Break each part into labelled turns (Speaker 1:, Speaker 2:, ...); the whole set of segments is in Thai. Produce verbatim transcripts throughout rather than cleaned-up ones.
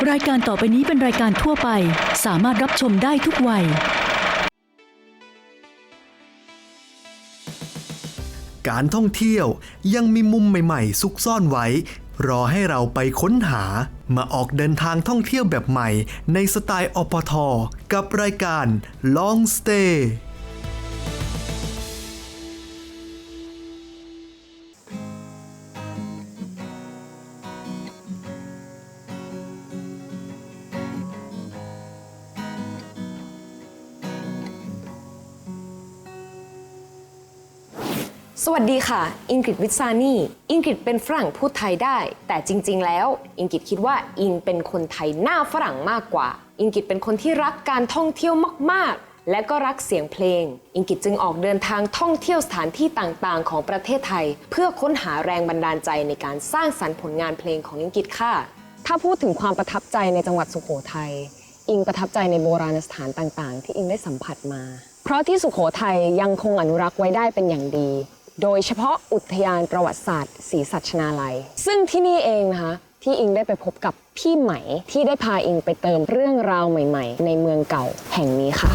Speaker 1: รายการต่อไปนี้เป็นรายการทั่วไปสามารถรับชมได้ทุกวัย
Speaker 2: การท่องเที่ยวยังมีมุมใหม่ๆซุกซ่อนไว้รอให้เราไปค้นหามาออกเดินทางท่องเที่ยวแบบใหม่ในสไตล์อปท.กับรายการ Long Stay
Speaker 3: สวัสดีค่ะอิงกฤษวิษานีอิงกฤษเป็นฝรั่งพูดไทยได้แต่จริงๆแล้วอิงกฤษคิดว่าอิงเป็นคนไทยหน้าฝรั่งมากกว่าอิงกฤษเป็นคนที่รักการท่องเที่ยวมากๆและก็รักเสียงเพลงอิงกฤษจึงออกเดินทางท่องเที่ยวสถานที่ต่างๆของประเทศไทยเพื่อค้นหาแรงบันดาลใจในการสร้างสรรค์ผลงานเพลงของอิงกฤษค่ะถ้าพูดถึงความประทับใจในจังหวัดสุโขทัยอิงประทับใจในโบราณสถานต่างๆที่อิงได้สัมผัสมาเพราะที่สุโขทัยยังคงอนุรักษ์ไว้ได้เป็นอย่างดีโดยเฉพาะอุทยานประวัติศาสตร์ศรีสัชนาลัยซึ่งที่นี่เองนะคะที่อิงได้ไปพบกับพี่ไหมที่ได้พาอิงไปเติมเรื่องราวใหม่ๆในเมืองเก่าแห่งนี้ค่ะ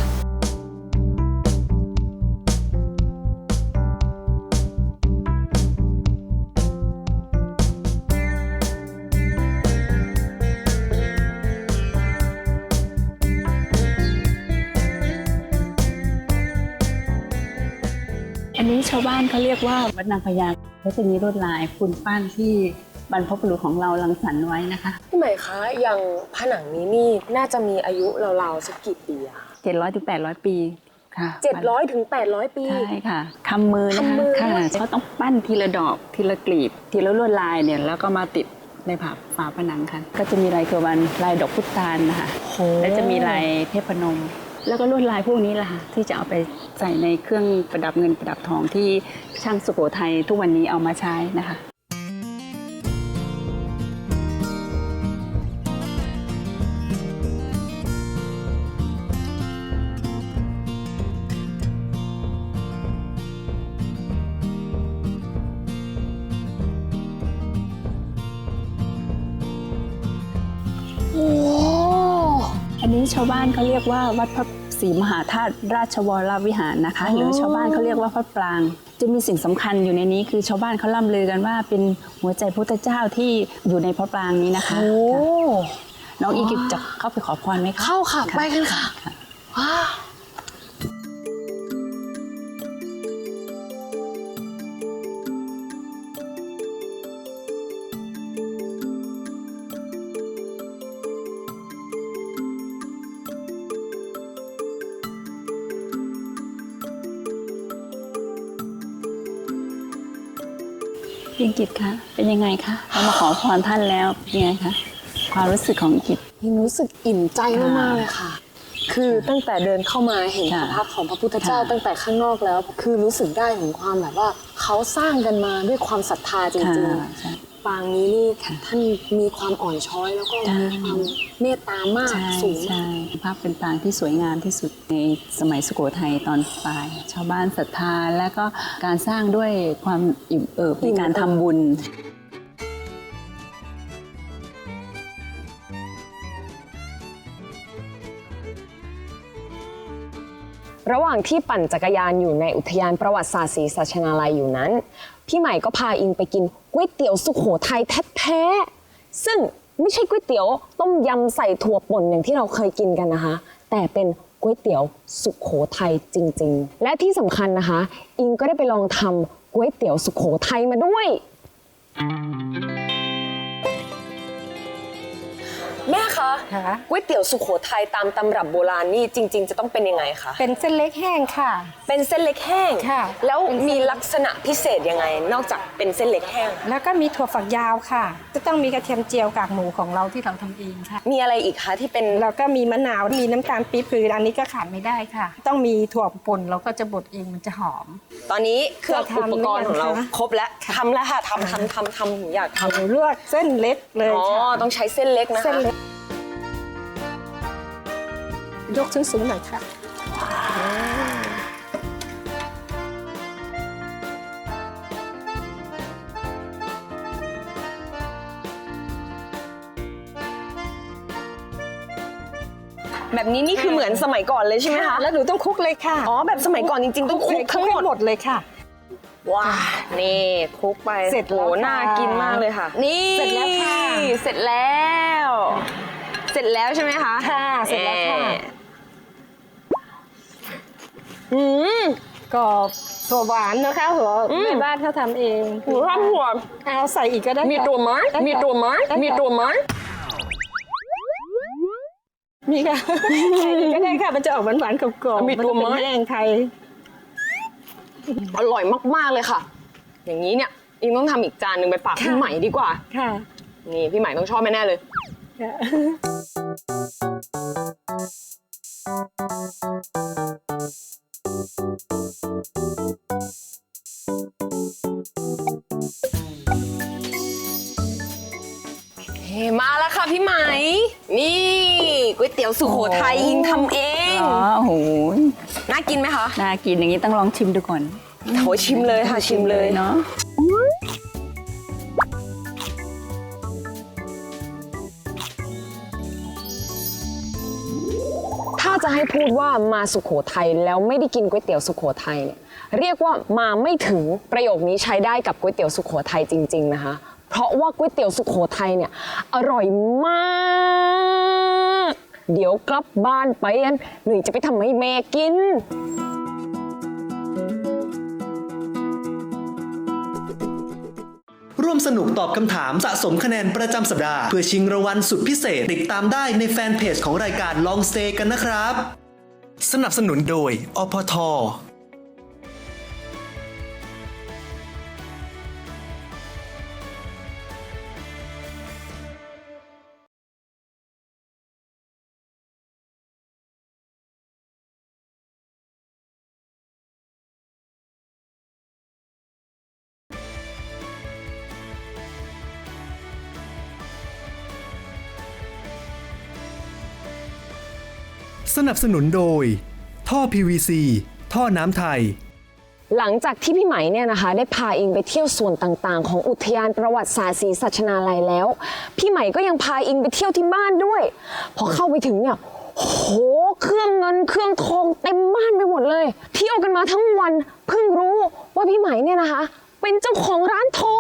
Speaker 4: อันนี้ชาวบ้านเขาเรียกว่าวัดนางพญาเขาจะมีลวดลายปูนปั้นที่บรรพบุรุษของเรารังสรรค์ไว้นะคะ
Speaker 3: พี่ใหม่คะอย่างผนังนี้นี่น่าจะมีอายุราวๆสักกี่ปีอะ
Speaker 4: เจ็ดร้อยถึงแปดร้อยปีค่ะ
Speaker 3: เจ็ดร้อยถึงแปดร้อยปี
Speaker 4: ใช่ค่ะคำมือนะคะค่ะเขาต้องปั้นทีละดอกทีละกลีบทีละลวดลายเนี่ยแล้วก็มาติดในผาฝาผนังค่ะก็จะมีลายเกวันลายดอกพุตานนะคะและจะมีลายเทพนมแล้วก็ลวดลายพวกนี้แหละค่ะที่จะเอาไปใส่ในเครื่องประดับเงินประดับทองที่ช่างสุโขทัยทุกวันนี้เอามาใช้นะคะ
Speaker 3: โอ้
Speaker 4: อันนี้ชาวบ้านเขาเรียกว่าวัดพระศรีมหาธาตุราชวรวิหารนะคะหรือชาวบ้านเขาเรียกว่าพระปรางจะมีสิ่งสำคัญอยู่ในนี้คือชาวบ้านเขาล่ำลือกันว่าเป็นหัวใจพุทธเจ้าที่อยู่ในพระปรางนี้นะคะน้องอีกิจจะเข้าไปขอพรไหมคะ
Speaker 3: เข้าค่ะไปกันค่ะว้า
Speaker 4: อิงกิจคะเป็นยังไงคะเรามาขอพรท่านแล้วยังไงคะความรู้สึกของอิงกิจ
Speaker 3: อิงรู้สึกอิ่มใจมากๆเลยค่ะคือตั้งแต่เดินเข้ามาเห็นภาพของพระพุทธเจ้าตั้งแต่ข้างนอกแล้วคือรู้สึกได้ถึงความแบบว่าเขาสร้างกันมาด้วยความศรัทธาจริงๆปางนี้นี่ท่านมีความอ่อนช้อยแล้วก็มีความเมตตามากสูง
Speaker 4: ใช่ภาพเป็นปางที่สวยงามที่สุดในสมัยสุโขทัยตอนปลายชาวบ้านศรัทธาและก็การสร้างด้วยความอิ่มเอิบในการทำบุญ
Speaker 3: ระหว่างที่ปั่นจักรยานอยู่ในอุทยานประวัติศาสตร์ศรีสัชนาลัยอยู่นั้นพี่ใหม่ก็พาอิงไปกินก๋วยเตี๋ยวสุโขทัยแท้ๆซึ่งไม่ใช่ก๋วยเตี๋ยวต้มยำใส่ถั่วป่นอย่างที่เราเคยกินกันนะคะแต่เป็นก๋วยเตี๋ยวสุโขทัยจริงๆและที่สำคัญนะคะอิงก็ได้ไปลองทำก๋วยเตี๋ยวสุโขทัยมาด้วยแม่คะก๋วยเตี๋ยวสุโขทัยตามตำรับโบราณนี่จริงๆจะต้องเป็นยังไงคะ
Speaker 5: เป็นเส้นเล็กแห้งค่ะ
Speaker 3: เป็นเส้นเล็กแห้ง
Speaker 5: ค่ะ
Speaker 3: แล้วมีลักษณะพิเศษยังไงนอกจากเป็นเส้นเล็กแห้ง
Speaker 5: แล้วก็มีถั่วฝักยาวค่ะจะต้องมีกระเทียมเจียวกากหมูของเราที่เราทำเองค่ะ
Speaker 3: มีอะไรอีกคะที่เป็น
Speaker 5: เราก็มีมะนาวมีน้ำตาลปี๊บคืออันนี้ก็ขาดไม่ได้ค่ะต้องมีถั่วป่นเราก็จะบดเองมันจะหอม
Speaker 3: ตอนนี้เครื่องอุปกรณ์ของเราครบแล้วทำแล้วค่ะทำทำทำทำหนูอยากทำ
Speaker 5: หนูเลือกเส้นเล็กเลย
Speaker 3: อ๋อต้องใช้เส้นเล็กนะคะ
Speaker 5: ยกสูงๆหน่อยค่ะ
Speaker 3: พแบบนี้นี่คือเหมือนสมัยก่อนเลยใช่ไหมคะ
Speaker 5: แล้วหนูต้องคลุกเลยค่ะ
Speaker 3: อ๋อแบบสมัยก่อนจริงๆต้องคลุกทั้งหมด
Speaker 5: หมดเลยค่ะ
Speaker 3: ว้านี่คลุกไป
Speaker 5: เสร็จแล้ว
Speaker 3: โอ้
Speaker 5: ค่ะ
Speaker 3: น่ากินมากเลยค่ะ นี่
Speaker 5: เสร็จแล้วค่ะ
Speaker 3: เสร็จแล้ว เสร็จแล้วใช่ไหมคะ
Speaker 5: ค่ะเสร็จแล้วค่ะ
Speaker 3: เอ่ออืม
Speaker 5: กรอบถั่วหวานนะคะหัว
Speaker 3: อืม
Speaker 5: แม่บ้านเขาทำเอง
Speaker 3: หนูชอบหัว
Speaker 5: เอาใส่อีกก็ได้
Speaker 3: มีตัวไหม
Speaker 5: ด้ค่ะ
Speaker 3: มีตัวไหม
Speaker 5: ด้ค่ะ
Speaker 3: มีตัวไหม
Speaker 5: มีค่ะใส่อีกก็ได้ค่ะมันจะออกหวานๆกรอบๆ
Speaker 3: มีตัวไหม
Speaker 5: นจะเป็นแห้งไทย
Speaker 3: อร่อยมากๆเลยค่ะ อย่างนี้เนี่ยอิงต้องทำอีกจานหนึ่งไปฝาก
Speaker 5: ค่ะ
Speaker 3: พี่ใหม่ดีกว่า
Speaker 5: ค่ะ
Speaker 3: นี่พี่ใหม่ต้องชอบแน่ๆเลย
Speaker 5: ค่ะ
Speaker 3: เฮ้มาแล้วค่ะพี่ไหม นี่ก๋วยเตี๋ยวสุโขทัยอิงทำเอง
Speaker 4: อ๋อโอ้โห
Speaker 3: น่ากินไหมคะ
Speaker 4: น่ากินอย่างนี้ต้องลองชิมดูก่อน
Speaker 3: โถชิมเลยค่ะชิมเลย
Speaker 4: เนาะ
Speaker 3: ถ้าจะให้พูดว่ามาสุโขทัยแล้วไม่ได้กินก๋วยเตี๋ยวสุโขทัยเนี่ยเรียกว่ามาไม่ถึงประโยคนี้ใช้ได้กับก๋วยเตี๋ยวสุโขทัยจริงๆนะคะ เพราะว่าก๋วยเตี๋ยวสุโขทัยเนี่ยอร่อยมาก เดี๋ยวกลับบ้านไปอันหนุ่ยจะไปทำให้แม่กิน
Speaker 2: ร่วมสนุกตอบคำถามสะสมคะแนนประจำสัปดาห์เพื่อชิงรางวัลสุดพิเศษติดตามได้ในแฟนเพจของรายการ Long Stay กันนะครับ สนับสนุนโดย อ พ ท. สนับสนุนโดย ท่อ พี วี ซี ท่อน้ำไทย
Speaker 3: หลังจากที่พี่ไหมเนี่ยนะคะได้พาอิงไปเที่ยวส่วนต่างๆ ของอุทยานประวัติศาสตร์ศรีสัชนาลัยแล้ว พี่ไหมก็ยังพาอิงไปเที่ยวที่บ้านด้วย พอเข้าไปถึงเนี่ยโหเครื่องเงินเครื่องทองเต็มบ้านไปหมดเลย เที่ยวกันมาทั้งวันเพิ่งรู้ว่าพี่ไหมเนี่ยนะคะ เป็นเจ้าของร้านทอง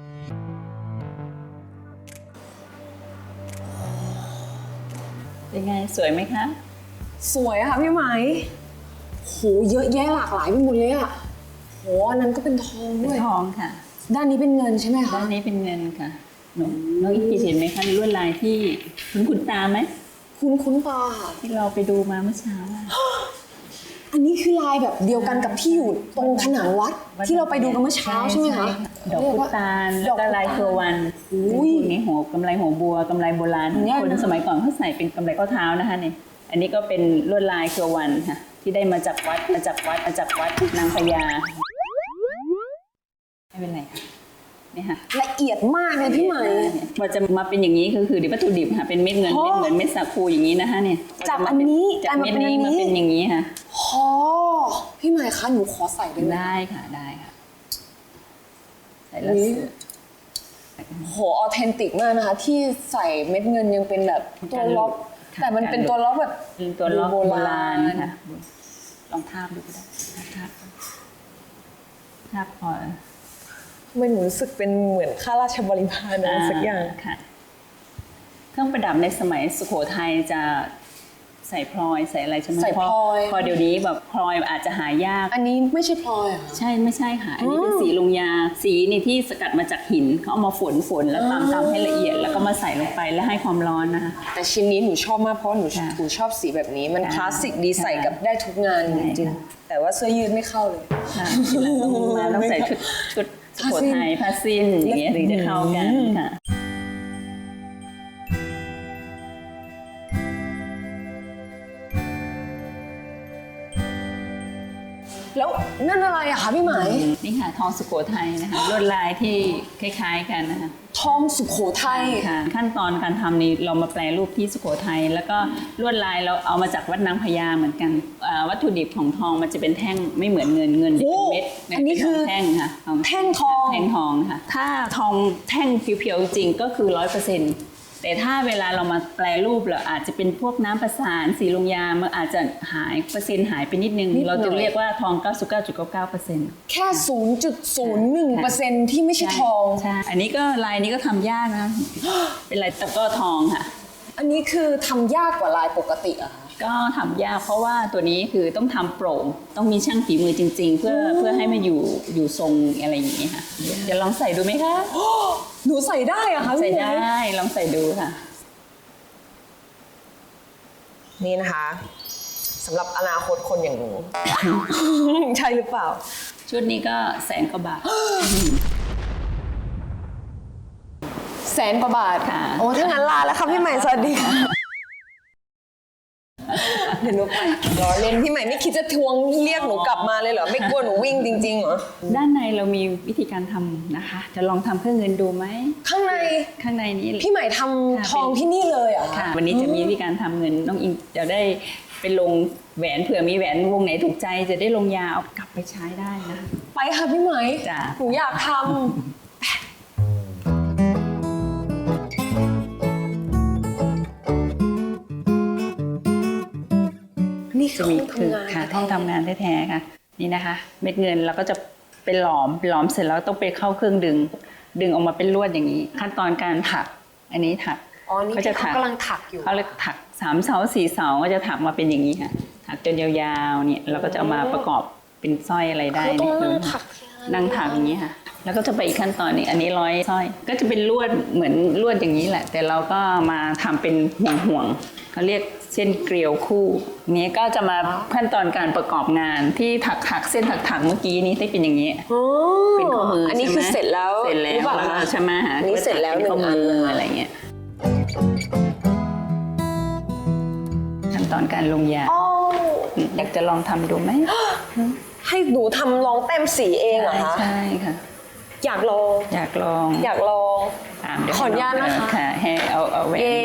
Speaker 4: เป็นไงสวยไหมคะ
Speaker 3: สวยอะค่ะพี่ไหมโหเยอะแยะหลากหลายไปหมดเลยอะโหอันนั้นก็เป็นทอง
Speaker 4: เป็
Speaker 3: ด้
Speaker 4: น
Speaker 3: วย
Speaker 4: ทองค่ะ
Speaker 3: ด้านนี้เป็นเงินใช่ไหมคะ
Speaker 4: ด้านนี้เป็นเงินค่ะหนูน้องอีกกีเห็นไหมคะลวดลายที่คุ้นคุ้นตาไหม
Speaker 3: คุ้นคุ้นๆตาค่ะ
Speaker 4: ที่เราไปดูมาเมื่อเช้าอะ
Speaker 3: อันนี้คือลายแบบเดียวกันกับที่อยู่ตรงผนังวัดที่เราไปดูกันเมื่อเช้าใช่ไหมคะ
Speaker 4: ดอกพุตาลแล้วก็ลายเครือวัน
Speaker 3: อุ้ย
Speaker 4: พวกนี้หัวกำไรหัวบัวกำไรโบราณ
Speaker 3: เนี่ย
Speaker 4: คนสมัยก่อนเขาใส่เป็นกำไรข้อเท้านะคะเนี่ยอันนี้ก็เป็นลวดลายเครือวันค่ะที่ได้มาจากวัดมาจากวัดมาจากวัดนางพญาไม่เป็นไรค่ะนี่ค่ะ
Speaker 3: ละเอียดมากเลยพี่ไหม
Speaker 4: พอจะมาเป็นอย่างนี้คือคือเดี๋ยววัตถุดิบค่ะเป็นเม็ดเงิน
Speaker 3: โอ้
Speaker 4: เม็ดเงินเม็ดสาคูอย่างนี้นะคะเนี่ย
Speaker 3: จากอันนี้
Speaker 4: จากเม็ดนี้
Speaker 3: กลาย
Speaker 4: มา
Speaker 3: มาเป็นอันนี้
Speaker 4: เป็นอย่างนี้ค่ะ
Speaker 3: โอ้พี่ไหมคะหนูขอใส่ได้ไหม
Speaker 4: ได้ค่ะได้ค่ะใส่แล้ว
Speaker 3: อุ๊ย
Speaker 4: สวย
Speaker 3: โหออเทนติกมากนะคะ ที่ใส่เม็ดเงินยังเป็นแบบตัวล็อก
Speaker 4: ค่ะ
Speaker 3: แต่มันเป็นตัวล็อกแบบ
Speaker 4: เป็นตัวล็อก
Speaker 3: โบ
Speaker 4: โบ
Speaker 3: รา
Speaker 4: รา
Speaker 3: ณ
Speaker 4: ณค่ะลองทาบดูก็ได้ทาบทาบพอ
Speaker 3: มันหนูรู้สึกเป็นเหมือนข้าราชบริพารอะไรสักอย่าง
Speaker 4: ค่ะ เครื่องประดับในสมัยสุโขทัยจะใส่พลอยใส่อะไรใช่ไหม
Speaker 3: ใส่พลอย
Speaker 4: พอเดี๋ยวนี้แบบพลอยอาจจะหายาก
Speaker 3: อันนี้ไม่ใช่พลอยเหรอ
Speaker 4: ใช่ไม่ใช่ค่ะ อันนี้เป็นสีลงยา สีนี่ที่สกัดมาจากหินเขาเอามาฝนฝนแล้วตามตามให้ละเอียด แล้วก็มาใส่ลงไปแล้วให้ความร้อนนะคะ
Speaker 3: แต่ชิ้นนี้หนูชอบมากเพราะหนู
Speaker 4: ค่ะ
Speaker 3: หนูชอบสีแบบนี้มัน
Speaker 4: ค่ะ
Speaker 3: คลาสสิกดีใส่กับได้ทุกงาน
Speaker 4: ใช่
Speaker 3: จริง
Speaker 4: ค่ะ
Speaker 3: ๆแต่ว่าเสื้อยืดไม่เข้าเลย
Speaker 4: ค่ะทีหลังต้องมาต้องใส่ชุดชุดสุโขทัยผ้าสิ้นอย่างเงี้ยถึงจะเข้ากันค่ะ
Speaker 3: แล้วนั่นอะไรอะคะพี่ไหม
Speaker 4: นี่ค่ะทองสุโขทัยนะคะลวดลายที่คล้าย ๆกันนะคะ
Speaker 3: ทองสุโขทัย
Speaker 4: ค่ะขั้นตอนการทำนี้เรามาแปลรูปที่สุโขทัยแล้วก็ลวดลายเราเอามาจากวัดนางพญาเหมือนกันอ่าวัตถุดิบของทองมันจะเป็นแท่งไม่เหมือนเงินเงินจะเป็นเม็ด
Speaker 3: อันนี้คือ
Speaker 4: เป็นแท่งค่ะทอง
Speaker 3: แท่งทอง
Speaker 4: แท่งทองค่ะถ้าทองแท่งเพียวๆจริงก็คือร้อยเปอร์เซ็นต์แต่ถ้าเวลาเรามาแปลรูปเราอาจจะเป็นพวกน้ำประสานสีลงยามันอาจจะหายเปอร์เซ็นต์หายไปนิดนึงเราจะเรียกว่าทอง เก้าสิบเก้าจุดเก้าเก้าเปอร์เซ็นต์
Speaker 3: แค่ ศูนย์จุดศูนย์หนึ่งเปอร์เซ็นต์ ที่ไม่ใช่ทอง
Speaker 4: ใช่อันนี้ก็ลายนี้ก็ทำยากนะ เป็นลายตะกร้อทองค่ะ
Speaker 3: อันนี้คือทำยากกว่าลายปกติอะคะ
Speaker 4: ก็ทำยากเพราะว่าตัวนี้คือต้องทำโปร่งต้องมีช่างฝีมือจริง ๆ เพื่อเพื่อให้มันอยู่อยู่ทรงอะไรอย่างนี้ค่ะจะลองใส่ดูไหมคะ
Speaker 3: หนูใส่ได้อะคะ
Speaker 4: ใส่
Speaker 3: พี่
Speaker 4: ได้
Speaker 3: หมวย
Speaker 4: ลองใส่ดูค่ะ
Speaker 3: นี่นะคะสำหรับอนาคตคนอย่างหนู ใช่หรือเปล่า
Speaker 4: ชุดนี้ก็แสนกว่าบาท
Speaker 3: แสนกว่าบาท
Speaker 4: ค่ะ
Speaker 3: โอ้ถ้างั้นลาแล้วค่ะพี่ใหม่สวัสดีค่ะเดี๋ยวหนูไปรอเล่นพี่ใหม่ไม่คิดจะทวงเรียกหนูกลับมาเลยเหรอไม่กลัวหนูวิ่งจริงๆเหรอ
Speaker 4: ด้านในเรามีวิธีการทำนะคะ จะลองทำเครื่องเงินดูไหม
Speaker 3: ข้างใน
Speaker 4: ข้างในนี้
Speaker 3: พี่ใหม่ทำทองที่นี่เลยเหรอ
Speaker 4: ค่ะ วันนี้จะมีวิธีการทำเงินน้องอิงจะได้ไปลงแหวนเผื่อมีแหวนวงไหนถูกใจจะได้ลงยาเอากลับไปใช้ได้นะ
Speaker 3: ไปค่ะพี่ใหม่
Speaker 4: จ้ะ
Speaker 3: หนูอยากทำนี่คือ
Speaker 4: จะมี
Speaker 3: ห้อง
Speaker 4: คือ
Speaker 3: ทำงาน
Speaker 4: ค่ะห้องทำงานแท้ๆค่ะ นี่นะคะ เม็ดเงินเราก็จะไปหลอมหลอมเสร็จแล้วต้องไปเข้าเครื่องดึง ดึงออกมาเป็นลวดอย่างนี้ ขั้นตอนการถัก อันนี้ถัก
Speaker 3: อ๋อนี่
Speaker 4: เขาจะ
Speaker 3: ที่เขากำลังถักอยู่
Speaker 4: เขาเรียกถักสามเสาสี่เสาก็จะถักมาเป็นอย่างนี้ค่ะ ถักจนยาวๆเนี่ยเราก็จะเอามาประกอบเป็นสร้อยอะไรได้
Speaker 3: เขาต้อง
Speaker 4: นี่
Speaker 3: นั่
Speaker 4: คื
Speaker 3: ง
Speaker 4: อ
Speaker 3: ถัก
Speaker 4: นั่งถักอย่างนี้ค่ะ แล้วก็จะไปอีกขั้นตอนหนึงอันนี้ร้อยสร้อย ก็จะเป็นลวดเหมือนลวดอย่างนี้แหละ แต่เราก็มาทำเป็นห่วงๆเขาเรียกเส้นเกลียวคู่นี้ก็จะมาขั้นตอนการประกอบงานที่ถักถักเส้นถักถักเมื่อกี้นี้ที่เป็นอย่างนี้
Speaker 3: อ๋อ
Speaker 4: เป็นข้อมือ
Speaker 3: อั
Speaker 4: อั
Speaker 3: นนี้คือเสร็จแล้ว
Speaker 4: เสร็จแล้ว
Speaker 3: หรือเปล่า
Speaker 4: แล้วก็
Speaker 3: คะ
Speaker 4: ใช่ไหมฮะ
Speaker 3: อันนี้เสร็จแล้วหนึ่
Speaker 4: ข้อง
Speaker 3: อัน
Speaker 4: มืออะไรเงี้ยขั้นตอนการลงยา
Speaker 3: อ๋อ
Speaker 4: อยากจะลองทำดูไหม
Speaker 3: ให้หนูทำลองแต้มสีเองเหรอคะ
Speaker 4: ใช่ค่ะ
Speaker 3: อยากลอง
Speaker 4: อยากลอง
Speaker 3: อยากลอง
Speaker 4: ตามเดี๋ยว
Speaker 3: ขออนุญาตนะคะ
Speaker 4: ค่ะให้เอาเอาแหวน
Speaker 3: เย้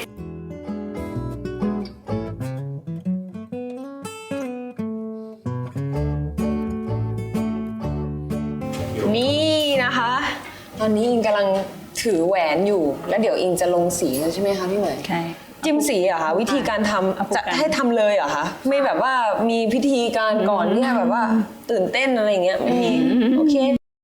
Speaker 3: นี่นะคะ ตอนนี้อิงกำลังถือแหวนอยู่ แล้วเดี๋ยวอิงจะลงสีแล้วใช่ไหมคะพี่เหมย
Speaker 4: ใช่
Speaker 3: จิ้มสีเหรอะคะวิธีการท
Speaker 4: เอา
Speaker 3: ำ
Speaker 4: ผู้
Speaker 3: จะ
Speaker 4: กัน
Speaker 3: ให้ทำเลยเหรอคะไม่แบบว่ามีพิธีการก่อนเนี่ยแบบว่าตื่นเต้นอะไรอย่างเงี้ยไม่มีโอเค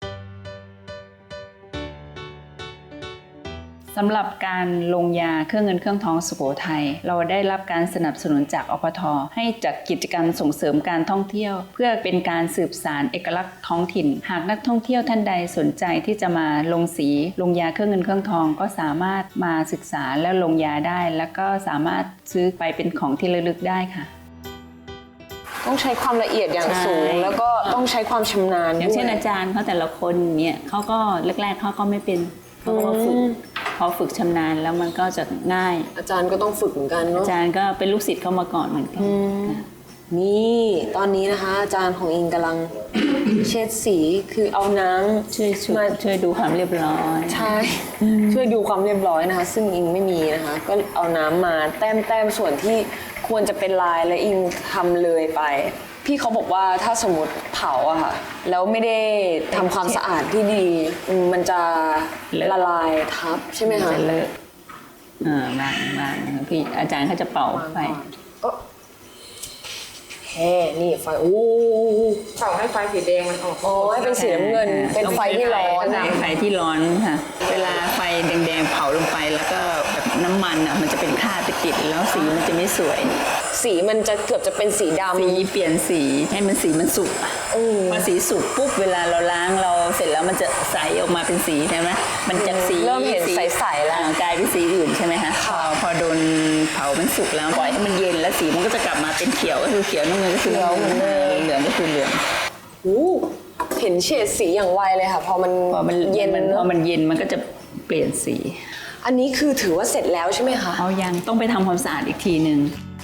Speaker 4: สำหรับการลงยาเครื่องเงินเครื่องทองสุโขทัยเราได้รับการสนับสนุนจากอปท.ให้จัดกิจกรรมส่งเสริมการท่องเที่ยว เพื่อเป็นการสืบสานเอกลักษณ์ท้องถิ่น หากนักท่องเที่ยวท่านใดสนใจที่จะมาลงสีลงยาเครื่องเงินเครื่องทองก็สามารถมาศึกษาและลงยาได้ แล้วก็สามารถซื้อไปเป็นของที่ระลึกได้ค่ะ
Speaker 3: ต้องใช้ความละเอียดอย่าง
Speaker 4: ใช่
Speaker 3: สูง แล้วก็ต้องใช้ความชำนาญ
Speaker 4: อย่างเช่น
Speaker 3: ด้วย
Speaker 4: อาจารย์เขาแต่ละคนเนี่ยเขาก็แรกๆเขาก็ไม่เป็นเขาก็มาฝึก
Speaker 3: อืม
Speaker 4: พอฝึกชำนาญแล้วมันก็จะง่าย
Speaker 3: อาจารย์ก็ต้องฝึกเหมือนกันเนาะ
Speaker 4: อาจารย์ก็เป็นลูกศิษย์เขามาก่อนเหมือนกันค่ะ
Speaker 3: นี่ตอนนี้นะคะ อาจารย์ของอิงกำลัง เช็ดสีคือเอาน้ำ
Speaker 4: ช่วยช่วย
Speaker 3: มา
Speaker 4: ช่วยดูความเรียบร้อย
Speaker 3: ใช่ช่วยดูความเรียบร้อยนะคะ ซึ่งอิงไม่มีนะคะ ก็เอาน้ำมาแต้มแต้มส่วนที่ควรจะเป็นลายและอิงทำเลยไป พี่เขาบอกว่าถ้าสมมติเผาอะค่ะแล้วไม่ได้ทำความสะอาดที่ดีอืมมันจะละลายทับใช่ไหมคะ
Speaker 4: จะเลอะอ่าวางวางพี่อาจารย์เขาจะเป่าไฟ
Speaker 3: ก็แฮ่นี่ไฟโอ้
Speaker 5: เป่าให้ไฟสีแดงมันออก
Speaker 3: โอ้ให้เป็นสีน้ำเงิน เป็นไฟที่ร้อน
Speaker 4: ใช่ไฟที่ร้อนค่ะ เวลาไฟแดงๆเผาลงไปแล้วก็แบบน้ำมันอ่ะมันจะเป็นคราบไปติดแล้วสีมันจะไม่สวย
Speaker 3: สีมันจะเกือบจะเป็นสีดำ
Speaker 4: สีเปลี่ยนสีให้มันสีมันสุก
Speaker 3: อืม
Speaker 4: พอสีสุกปุ๊บเวลาเราล้างเราเสร็จแล้วมันจะใสออกมาเป็นสีใช่ไหมมันจากสี
Speaker 3: เริ่มเห็น
Speaker 4: สี
Speaker 3: ใสๆแล้ว
Speaker 4: อ่ากลายเป็นสีอื่นใช่ไหมคะพอพอโดนเผามันสุกแล้วปล่อยให้มันเย็นแล้วสีมันก็จะกลับมาเป็นเขียวก็คือเขียวน้ำเงินก็คือ
Speaker 3: เขียวเหมือนเดิม
Speaker 4: เหลืองก็คือเหลือง
Speaker 3: โอ้เห็นเฉดสีอย่างไวเลยค่ะ พอมัน
Speaker 4: พอมัน
Speaker 3: เย็น
Speaker 4: มันพ
Speaker 3: เน
Speaker 4: อ
Speaker 3: อะ
Speaker 4: มันเย็นมันก็จะเปลี่ยนสี
Speaker 3: อันนี้คือถือว่าเสร็จแล้วใช่ไหมคะ
Speaker 4: เอายังต้องไปทำความสะอาดอีกทีหนึ่ง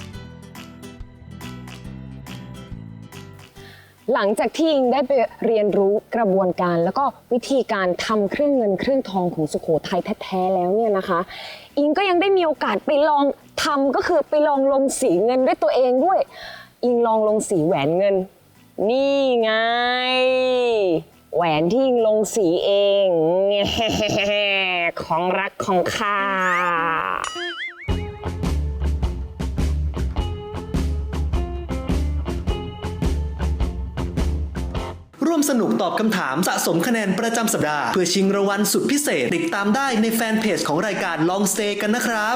Speaker 3: หลังจากที่อิงได้ไปเรียนรู้กระบวนการแล้วก็วิธีการทำเครื่องเงินเครื่องทองของสุโขทัยแท้ๆแล้วเนี่ยนะคะ อิงก็ยังได้มีโอกาสไปลองทำก็คือไปลองลงสีเงินด้วยตัวเองด้วย อิงลองลงสีแหวนเงิน นี่ไง แหวนที่อิงลงสีเอง ของรักของข้า
Speaker 2: ร่วมสนุกตอบคำถามสะสมคะแนนประจำสัปดาห์เพื่อชิงรางวัลสุดพิเศษติดตามได้ในแฟนเพจของรายการ Long Stay กันนะครับ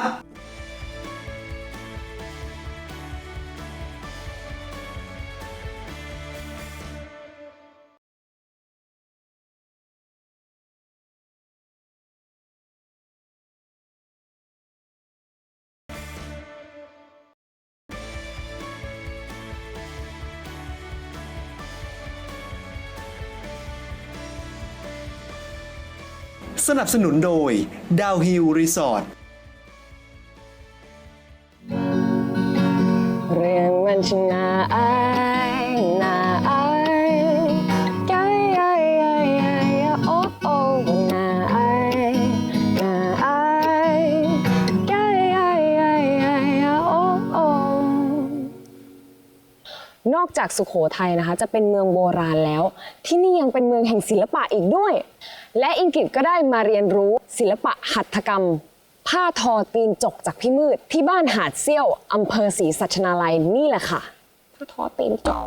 Speaker 2: สนับสนุนโดยดาวฮิลรีสอร์ท
Speaker 3: เรื่องมันช่างน่าอายน่าอายใจยายยายยายโอ้โอ้น่าอายน่าอายใจยายยายยายโอ้โอ้นอกจากสุโขทัยนะคะจะเป็นเมืองโบราณแล้วที่นี่ยังเป็นเมืองแห่งศิลปะอีกด้วยและอิงกิตก็ได้มาเรียนรู้ศิลปะหัตถกรรมผ้าทอตีนจกจากพี่มืดที่บ้านหาดเซี่ยวอำเภอศรีสัชนาลัยนี่แหละค่ะผ้าทอตีนจก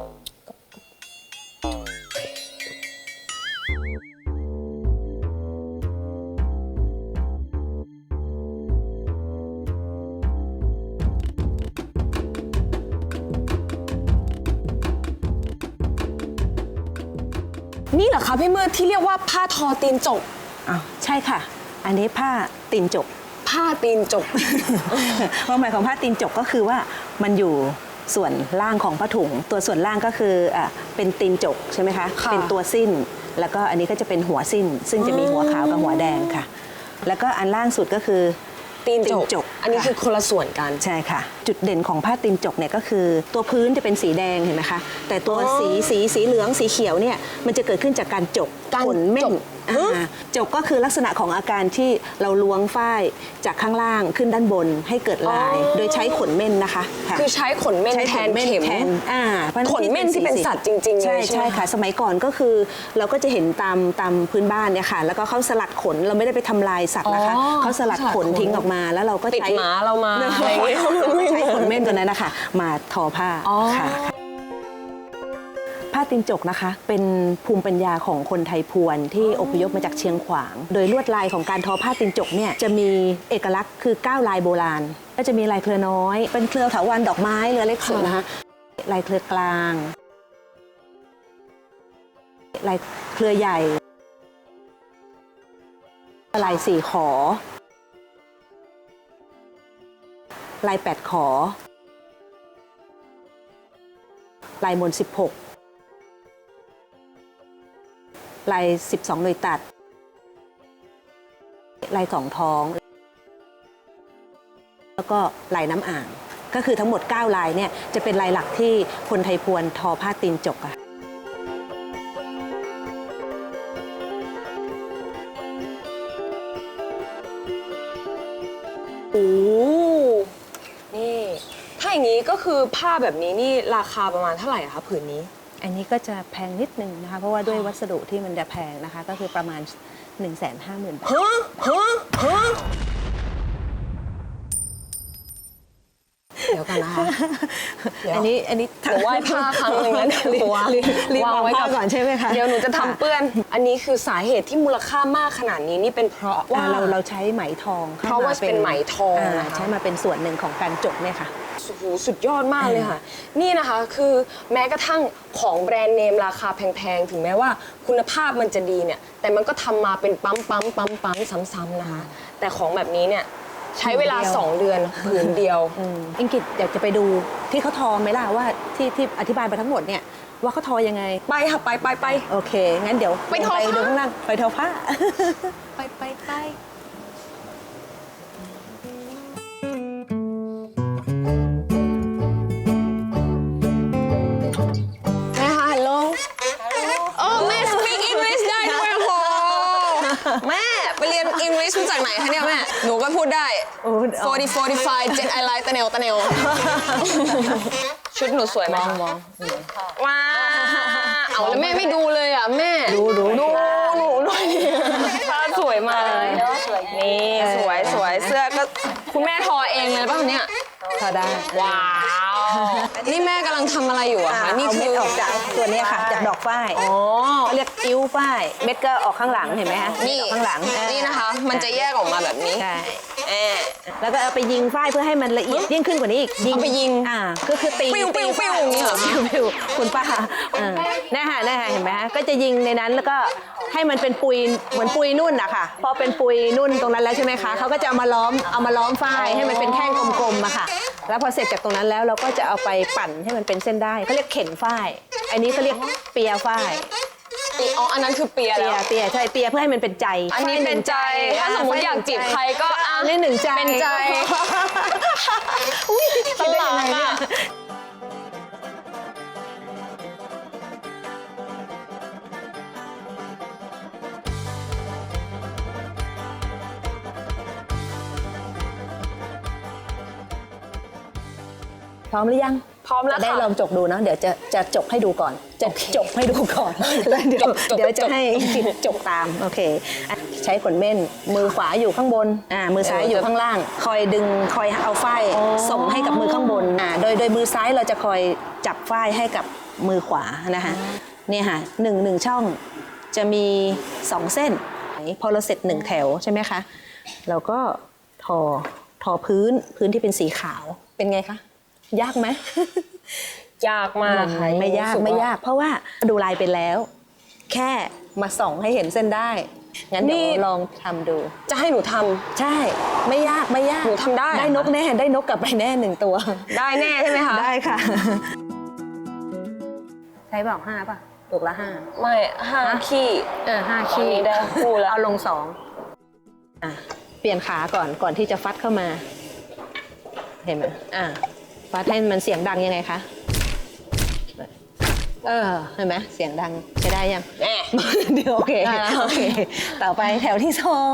Speaker 3: นี่เหรอคะพี่มืดที่เรียกว่าผ้าทอตีนจก
Speaker 6: อ้าวใช่ค่ะ อันนี้ผ้าตีนจก
Speaker 3: ผ้าตีนจก
Speaker 6: ความหมายของผ้าตีนจกก็คือว่ามันอยู่ส่วนล่างของผ้าถุง ตัวส่วนล่างก็คืออ่ะเป็นตีนจกใช่ไหมคะ
Speaker 3: ค่ะ
Speaker 6: เป็นตัวสิ้น แล้วก็อันนี้ก็จะเป็นหัวสิ้น ซึ่งจะมีหัวขาวกับหัวแดงค่ะ แล้วก็อันล่างสุดก็คือ
Speaker 3: ตีนจ
Speaker 6: ตี
Speaker 3: ก
Speaker 6: นจก
Speaker 3: อันนี้
Speaker 6: ค่ะ
Speaker 3: คือคนละส่วนกัน
Speaker 6: ใช่ค่ะ จุดเด่นของผ้าตีนจกเนี่ยก็คือ ตัวพื้นจะเป็นสีแดงเห็นไหมคะ แต่ตัว
Speaker 3: อ๋อ
Speaker 6: สีสีสีเหลืองสีเขียวเนี่ยมันจะเกิดขึ้นจากการจก
Speaker 3: การ
Speaker 6: ขนเม่
Speaker 3: จ
Speaker 6: น
Speaker 3: ก
Speaker 6: อ่าจกก็คือลักษณะของอาการที่เราล้วงฝ้ายจากข้างล่างขึ้นด้านบนให้เกิดลาย โดยใช้ขนเม่นนะคะะ
Speaker 3: คือใช้ขนเม่น
Speaker 6: ใช้
Speaker 3: แท
Speaker 6: ข
Speaker 3: น
Speaker 6: ม่
Speaker 3: เข็ม
Speaker 6: แทนอ่าพราะฉะ
Speaker 3: ขนเม่นที่เป็นสัตว์จริงๆเลย
Speaker 6: ใช่
Speaker 3: ใช่ไหม
Speaker 6: ใช่ค่ะ สมัยก่อนก็คือเราก็จะเห็นตามตามพื้นบ้านเนี่ยค่ะ แล้วก็เขาสลัดขนเราไม่ได้ไปทำลายสัตว์นะคะ
Speaker 3: อ๋อ
Speaker 6: เขาสลัดขนทิ้งออกมาแล้วเราก็
Speaker 3: ติด
Speaker 6: ใช้
Speaker 3: หมาเรามาอะไรอย่างเงี้ย
Speaker 6: เราก็ใช้ขนเม่นตัวนั้นนะคะมาทอผ้า
Speaker 3: อ๋อ
Speaker 6: ค่ะ ผ้าตีนจกนะคะเป็นภูมิปัญญาของคนไทยพวนที่อพยพมาจากเชียงขวาง โดยลวดลายของการทอผ้าตีนจกเนี่ยจะมีเอกลักษณ์คือเก้าลายโบราณก็จะมีลายเครือน้อย เป็นเครือเถาวัลย์ดอกไม้เรือเล็กสุดนะคะลายเครือกลางลายเครือใหญ่ลายสี่ขอลายแปดขอลายมนสิบหกลายสิบสองหน่วยตัดลายสองท้อง แล้วก็ลายน้ำอ่าง ก็คือทั้งหมดเก้าลายเนี่ยจะเป็นลายหลักที่คนไทยพวนทอผ้าตีนจกอะ
Speaker 3: โอ้นี่ถ้าอย่างนี้ก็คือผ้าแบบนี้นี่ราคาประมาณเท่าไหร่อะคะผืนนี้
Speaker 6: อันนี้ก็จะแพงนิดนึงนะคะ เพราะว่าด้วยวัสดุที่มันจะแพงนะคะ ก็คือประมาณ หนึ่งแสนห้าหมื่น บาท
Speaker 3: ฮะฮะฮะเดี๋ยวกันนะคะเดี๋ยว
Speaker 6: อันนี้อันนี้
Speaker 3: เดี๋ยวไหว้ผ้าครั้งหนึ่งแล้วเดี๋ยว
Speaker 6: รีบ
Speaker 3: หัว
Speaker 6: รีบรีบ
Speaker 3: วาง
Speaker 6: วาง
Speaker 3: ไว้
Speaker 6: ผ้า
Speaker 3: กับ
Speaker 6: ก่อนใช่ไหมคะ
Speaker 3: เดี๋ยวหนูจะทำเปื้อน อันนี้คือสาเหตุที่มูลค่ามากขนาดนี้นี่เป็นเพราะว่า
Speaker 6: อ่าเราเราใช้ไหมทองข้
Speaker 3: เพราะว่าเป็นไหมทอง
Speaker 6: า
Speaker 3: นะคะ
Speaker 6: ใช้มาเป็นส่วนหนึ่งของการจกเนี่ยค่ะ
Speaker 3: โอ้โหสุดยอดมากเลยค่ะ นี่นะคะคือแม้กระทั่งของแบรนด์เนมราคาแพงๆ ถึงแม้ว่าคุณภาพมันจะดีเนี่ย แต่มันก็ทำมาเป็นปั๊มปั๊มปั๊มปั๊มซ้ำๆนะคะ แต่ของแบบนี้เนี่ยใช้เวลา
Speaker 6: ผืนเดียว
Speaker 3: สองเดือนผืนเดียว
Speaker 6: อืมอิงกิตอยากจะไปดูที่เขาทอไหมล่ะว่าที่ที่อธิบายไปทั้งหมดเนี่ยว่าเขาทอยังไง
Speaker 3: ไปค่ะไปไปไป
Speaker 6: โอเค งั้นเดี๋ยว
Speaker 3: ไปทอ
Speaker 6: ลง
Speaker 3: ผ้า
Speaker 6: ดูข้างล่างไปทอผ้า
Speaker 3: ไปไปไปแม่ฮัลโหลโอ้แม่ speak English ได้ด้วยโหแม่ไปเรียน English มาจากไหนคะเนี่ยแม่ หนูก็พูดได้
Speaker 6: โอ้
Speaker 3: สี่สิบ สี่สิบห้า เจ็ดไอไลท์ตะเนวตะเนวชุดหนูสวยไหมมองว้าเอาแล้วแม่ไม่ดูเลยอ่ะแม่ ดูดูดูหนูด้วยผ้าสวยมากเลยนี่สวยสวยเสื้อก็คุณแม่ทอเองเลยป่ะเนี่ย
Speaker 6: ทอได้
Speaker 3: ว้าวนี่แม่กำลังทำอะไรอยู่อะ
Speaker 6: อ่า
Speaker 3: คะนี่
Speaker 6: เอา
Speaker 3: คื
Speaker 6: เม็ด
Speaker 3: อ
Speaker 6: ออกจากตัวเนี้ยค่ะ จากดอกฝ้าย
Speaker 3: อ๋อ
Speaker 6: เขาเรียกอิ้วฝ้ายเม็ดก็ออกข้างหลังเห็นไหมคะเม็ด
Speaker 3: นี่
Speaker 6: ออกข้างหลังอ่า
Speaker 3: นี่นะคะ มันจะแยกออกมาแบบนี้
Speaker 6: ใช่
Speaker 3: แอบ
Speaker 6: แล้วก็เอาไปยิงฝ้ายเพื่อให้มันละเอียดยิ่งขึ้นกว่านี้อีก
Speaker 3: เอาไปยิง
Speaker 6: อ่าก็คือตี
Speaker 3: ปิ้วปิ้ว
Speaker 6: ตีฝ้า
Speaker 3: ปิ้วอย่างนี้เหรอ
Speaker 6: ปิ้วปิ้วคุณป้าอ่านี่ค่ะนี่ค่ะเห็นไหมคะก็จะยิงในนั้นแล้วก็ให้มันเป็นปุยเหมือนปุยนุ่นอะค่ะพอเป็นปุยนุ่นตรงนั้นแล้วใช่ไหมคะเขาก็จะเอามาล้อมเอามาล้อมฝ้ายให้มันเป็นแท่งกลมๆอะค่ะแล้วพอเสร็จจากตรงนั้นแล้วเราก็จะเอาไปปั่นให้มันเป็นเส้นได้เขาเรียกเข็นฝ้ายอันนี้เขาเรียกเปียฝ้าย
Speaker 3: อ๋อ อันนั้นคือเปีย
Speaker 6: เปี
Speaker 3: แล้
Speaker 6: ยว เปียใช่เปียเพื่อให้มันเป็นใจ
Speaker 3: อันนี้เป็นใจ ถ้าสมมติอยากจีบใครก็อ่ะ
Speaker 6: อันนี้หนึ่งใจ
Speaker 3: เป็นใจ
Speaker 6: อุ้ยคิดได้ยังไง
Speaker 3: ตล
Speaker 6: เนี่
Speaker 3: ก
Speaker 6: ย
Speaker 3: อะ
Speaker 6: พร้อมหรือยัง
Speaker 3: พร้อมแล้ว
Speaker 6: จะได้
Speaker 3: ค่ะ
Speaker 6: ลองจกดูนะเดี๋ยวจะจะจกให้ดูก่อน จะจกให้ดูก่อนแล้วเดี๋ยว
Speaker 3: จกจก
Speaker 6: เดี๋ยวจะ
Speaker 3: จก
Speaker 6: ให้กิดจกตามโอเคอ่ะใช้ขนเม่นมือขวาอยู่ข้างบนอ่ามือซ้ายอยู่ข้างล่าง คอยดึงคอยเอาฝ้ายส่งให้กับมือข้างบนอ่าโดยโดยมือซ้ายเราจะคอยจับฝ้ายให้กับมือขวานะคะเนี่ยค่ะหนึ่งหนึ่งช่องจะมีสองเส้นพอเราเสร็จหนึ่งแถวใช่ไหมคะเราก็ทอทอพื้นพื้นที่เป็นสีขาวเป็นไงคะยากไหม
Speaker 3: ยากมากค่ะ
Speaker 6: ไม่ยาก
Speaker 3: รู้สึ
Speaker 6: ไม่
Speaker 3: ว่
Speaker 6: ยาก เพราะว่าดูลายไปแล้ว แค่มาส่องให้เห็นเส้นได้ งั้นเดี๋ยวลองทำดู
Speaker 3: จะให้หนูทำ
Speaker 6: ใช่ ไม่ยากไม่ยาก
Speaker 3: หนูทำได้
Speaker 6: ได้นกแน่ได้นกกลับไปแน่หนึ่งตัว
Speaker 3: ได้แน่ใช่ไหมคะ
Speaker 6: ได้ค่ะ ใช้บอกห้าป่ะลูกละห้า
Speaker 3: ไม่ห้าขี้
Speaker 6: เออห้า
Speaker 3: ตอน
Speaker 6: ขี้
Speaker 3: นี้ได้คู่แล้ว
Speaker 6: เอาลงสองอ่ะเปลี่ยนขาก่อนก่อนที่จะฟัดเข้ามา เห็นไหมอ่ะฟัดให้มันเสียงดังยังไงคะ เออเห็นไหมเสียงดังใช้ได้ยัง
Speaker 3: แน่
Speaker 6: เดี๋ยวโอเค
Speaker 3: ได้แล้ว
Speaker 6: โอเค ต่อไปแถวที่สอง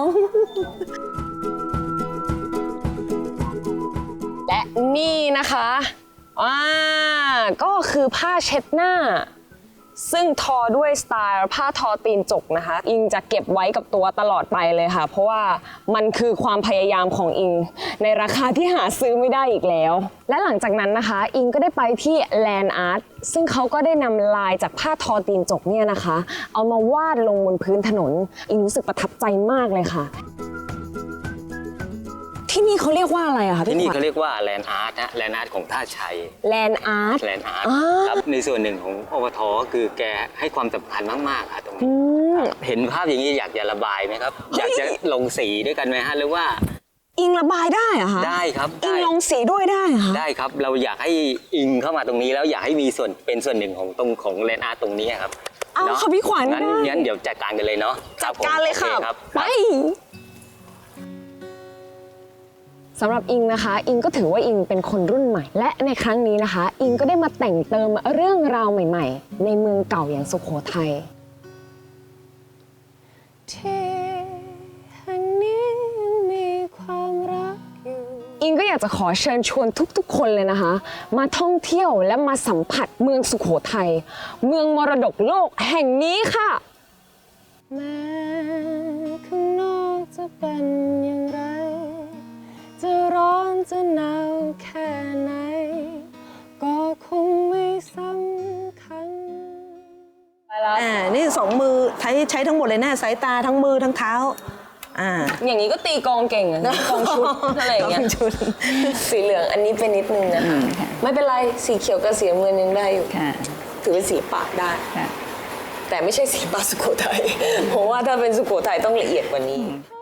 Speaker 3: และนี่นะคะอ่าก็คือผ้าเช็ดหน้า ซึ่งทอด้วยสไตล์ผ้าทอตีนจกนะคะ อิงจะเก็บไว้กับตัวตลอดไปเลยค่ะ เพราะว่ามันคือความพยายามของอิง ในราคาที่หาซื้อไม่ได้อีกแล้ว และหลังจากนั้นนะคะ อิงก็ได้ไปที่ Land Art ซึ่งเขาก็ได้นำลายจากผ้าทอตีนจกเนี่ยนะคะ เอามาวาดลงบนพื้นถนน อิงรู้สึกประทับใจมากเลยค่ะ ที่นี่เขาเรียกว่าอะไรอะคะ
Speaker 7: ที่
Speaker 3: พี่
Speaker 7: นี่
Speaker 3: ขวัญ
Speaker 7: เขาเรียกว่าแลนด์อาร์ตนะแลนด์อาร์ตของท่าชัย
Speaker 3: Land Art
Speaker 7: แลนด์อาร์ต
Speaker 3: อ่า
Speaker 7: ครับในส่วนหนึ่งของอปทก็คือแกให้ความสำคัญมากๆค่ะตรงนี้เห็นภาพอย่างนี้อยากจะระบายไหมครับ อยากจะลงสีด้วยกันไหมฮะหรือว่า
Speaker 3: อิงระบายได้เหรอะคะ
Speaker 7: ได้ครับ
Speaker 3: อิ
Speaker 7: ได้
Speaker 3: งลงสีด้วยได้เหรอคะ
Speaker 7: ได้ครับเราอยากให้อิงเข้ามาตรงนี้แล้วอยากให้มีส่วนเป็นส่วนหนึ่งของตรงของแลนด์อาร์ตตรงนี้ครับ
Speaker 3: เอา
Speaker 7: น
Speaker 3: ค่ะพี่ขวัญ
Speaker 7: งั้น
Speaker 3: ได้
Speaker 7: งั้นเดี๋ยวจัดการกันเลยเนาะ
Speaker 3: จัดการเลยค่ะ
Speaker 7: โอรับ
Speaker 3: ไปสำหรับอิงนะคะ อิงก็ถือว่าอิงเป็นคนรุ่นใหม่ และในครั้งนี้นะคะ อิงก็ได้มาแต่งเติมเรื่องราวใหม่ๆ ในเมืองเก่าอย่างสุโขทัยที่แห่งนี้มีความรักอยู่อิงก็อยากจะขอเชิญชวนทุกๆ คนเลยนะคะ มาท่องเที่ยวและมาสัมผัสเมืองสุโขทัยเมืองมรดกโลกแห่งนี้ค่ะแม้ข้างนอกจะเป็นอย่างไรจะร้อนจะหนาวแค่ไหนก็คงไม่สำคัญไปแล้ว
Speaker 6: อ่านี่สองมือใช้ใช้ทั้งหมดเลยนะสายตาทั้งมือทั้งเท้าอ่า
Speaker 3: อย่างนี้ก็ตีกลองเก่งอะนะกลองชุดอะไรอย่างเงี้ย
Speaker 6: กลองชุด
Speaker 3: สีเหลืองอันนี้เป็นนิดนึงนะคะไม่เป็นไรสีเขียวกับสีน้ำเงินยังได้อยู่
Speaker 4: ค่ะ
Speaker 3: ถือเป็นสีปากได้
Speaker 4: ค่ะ
Speaker 3: แต่ไม่ใช่สีปากสุโขทัยเพราะว่าถ้าเป็นสุโขทัยต้องละเอียดกว่านี้